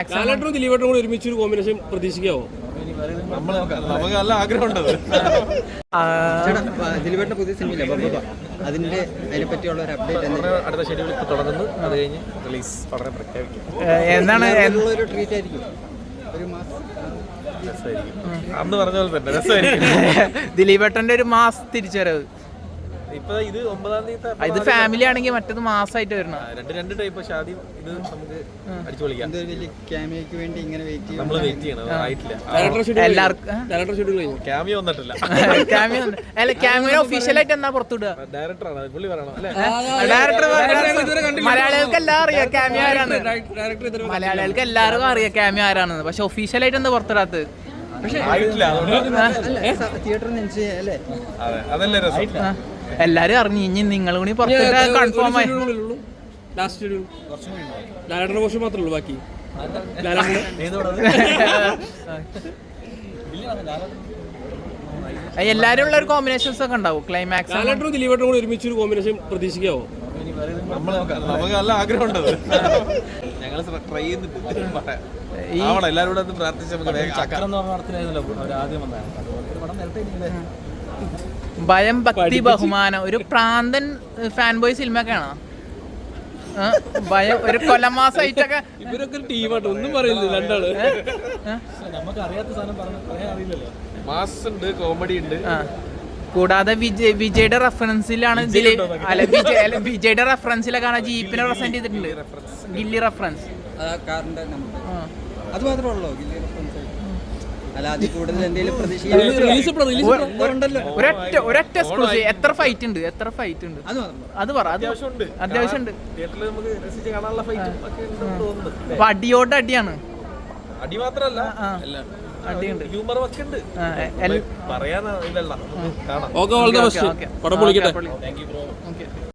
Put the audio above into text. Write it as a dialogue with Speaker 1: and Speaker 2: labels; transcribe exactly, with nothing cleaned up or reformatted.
Speaker 1: ലാലേട്ടനും ദിലീപേട്ടനും കൂടി ഒരുമിച്ച് ഒരു കോമ്പിനേഷൻ പ്രതീക്ഷിക്കാവോ?
Speaker 2: നമുക്ക് നല്ല ആഗ്രഹമുണ്ട്.
Speaker 3: ദിലീപേട്ടന്റെ പുതിയ സിനിമയില്ല ബബ്ബ, അതിന്റെ അതിനെ പറ്റിയുള്ള ഒരു അപ്ഡേറ്റ്
Speaker 2: അടുത്ത ഷെഡ്യൂൾ ഇപ്പോൾ തുടങ്ങുന്നു. അത് കഴിഞ്ഞ് റിലീസ് വളരെ പ്രഖ്യാപിക്കും.
Speaker 4: എന്താണ്
Speaker 3: ഒരു ട്രീറ്റ് ആയിരിക്കും, ഒരു മാസം
Speaker 2: രസമായിരിക്കും. അന്ന് പറഞ്ഞ പോലെ തന്നെ രസമായിരിക്കും.
Speaker 4: ദിലീപേട്ടന്റെ ഒരു മാസ് തിരിച്ചുവരവ്.
Speaker 2: ഇപ്പൊ ഇത് ഒമ്പതാം തീയതി
Speaker 4: ഇത് ഫാമിലി ആണെങ്കിൽ മറ്റേത് മാസമായിട്ട് വരണം.
Speaker 2: രണ്ട് രണ്ട് ടൈപ്പ്. പക്ഷെ ആദ്യം ഇത് നമുക്ക് അടിച്ചു പൊളിക്കാം.
Speaker 3: എന്തൊരു വലിയ ക്യാമിയോയ്ക്ക് വേണ്ടി ഇങ്ങനെ വെയിറ്റ് ചെയ്യും.
Speaker 2: നമ്മൾ വെയിറ്റ് ചെയ്യണം. ആയിട്ടില്ല.
Speaker 4: എല്ലാവർക്കും
Speaker 2: ക്യാമിയോ വന്നിട്ടില്ല.
Speaker 4: ക്യാമിയോ അല്ല, ക്യാമിയോ ഒഫീഷ്യലായിട്ട് എന്നാ പുറത്തുവിടുക?
Speaker 2: ഡയറക്ടറാണ് പുള്ളി പറയണം അല്ലേ?
Speaker 4: ഡയറക്ടർ മലയാളികൾക്ക് എല്ലാം അറിയാം ക്യാമിയോ ആരാണ്. മലയാളികൾക്ക് എല്ലാവർക്കും അറിയാം ക്യാമിയോ ആരാണെന്ന്. പക്ഷെ ഒഫീഷ്യലായിട്ട് എന്താ പുറത്തിടാത്തത്?
Speaker 3: തിയേറ്ററിൽ അല്ലേ?
Speaker 2: അതല്ലേ രസം.
Speaker 4: എല്ലാരും അറിഞ്ഞു. ഇനി നിങ്ങൾ കൂടി പുറത്തിട്ട് കൺഫേം ആയി.
Speaker 1: ലാലേട്ടന്റെ പോഷൻ മാത്രമേ ഉള്ളൂ ബാക്കി.
Speaker 4: എല്ലാരും ഉള്ള ഒരു കോമ്പിനേഷൻസ് ഒക്കെ ഉണ്ടാവും. ക്ലൈമാക്സ്
Speaker 1: ലാലേട്ടനും ദിലീപേട്ടനും കൂടി ഒരുമിച്ച് ഒരു കോമ്പിനേഷൻ പ്രതീക്ഷിക്കാവോ?
Speaker 2: നമുക്ക് നല്ല ആഗ്രഹമുണ്ട്. ഞങ്ങൾ ട്രൈ ചെയ്യുന്നുണ്ട്. എല്ലാവരും കൂടെ പ്രാർത്ഥിച്ച്
Speaker 4: ഭയം, ഭക്തി, ബഹുമാനം, ഒരു പ്രാന്തൻ ഫാൻ ബോയ് സിനിമയൊക്കെയാണോ? ഭയം ഒരു കൊലമാസമായിട്ടൊക്കെ
Speaker 1: ഇവരൊക്കെ ടീമായിട്ട് ഒന്നും പറയുന്നില്ല രണ്ടാള്.
Speaker 2: നമുക്ക് അറിയാത്ത സാധനം പറയാറില്ലല്ലോ. മാസ് ഉണ്ട്, കോമഡി ഉണ്ട്.
Speaker 4: കൂടാതെ വിജയ് വിജയുടെ റെഫറൻസിലാണ് ഇതില്. അല്ല വിജയ് അല്ല വിജയുടെ റെഫറൻസിലൊക്കെ ജീപ്പിനെ പ്രസന്റ് ചെയ്തിട്ടുണ്ട്. ഗില്ലി റെഫറൻസ്
Speaker 3: അത് മാത്രമേ ഉള്ളൂ. അല്ല, അതിൽ കൂടുതൽ എന്തെങ്കിലും പ്രതീക്ഷിക്കുന്നുണ്ടല്ലോ.
Speaker 4: ഒരൊറ്റ ഒരൊറ്റ എക്സ്ക്ലൂസീവ്. എത്ര ഫൈറ്റ് ഉണ്ട്? എത്ര ഫൈറ്റ് ഉണ്ട്? അത് പറ. അത്യാവശ്യമുണ്ട്. അപ്പൊ അടിയോട് അടിയാണ്.
Speaker 2: അടി മാത്രല്ല,
Speaker 4: അടിയുണ്ട്,
Speaker 2: ഹ്യൂമർ ഒക്കെ ഉണ്ട്. പറയാൻ ഇതല്ല, കാണാം.
Speaker 1: Okay, all the best. പടം പൊളിക്കട്ടെ.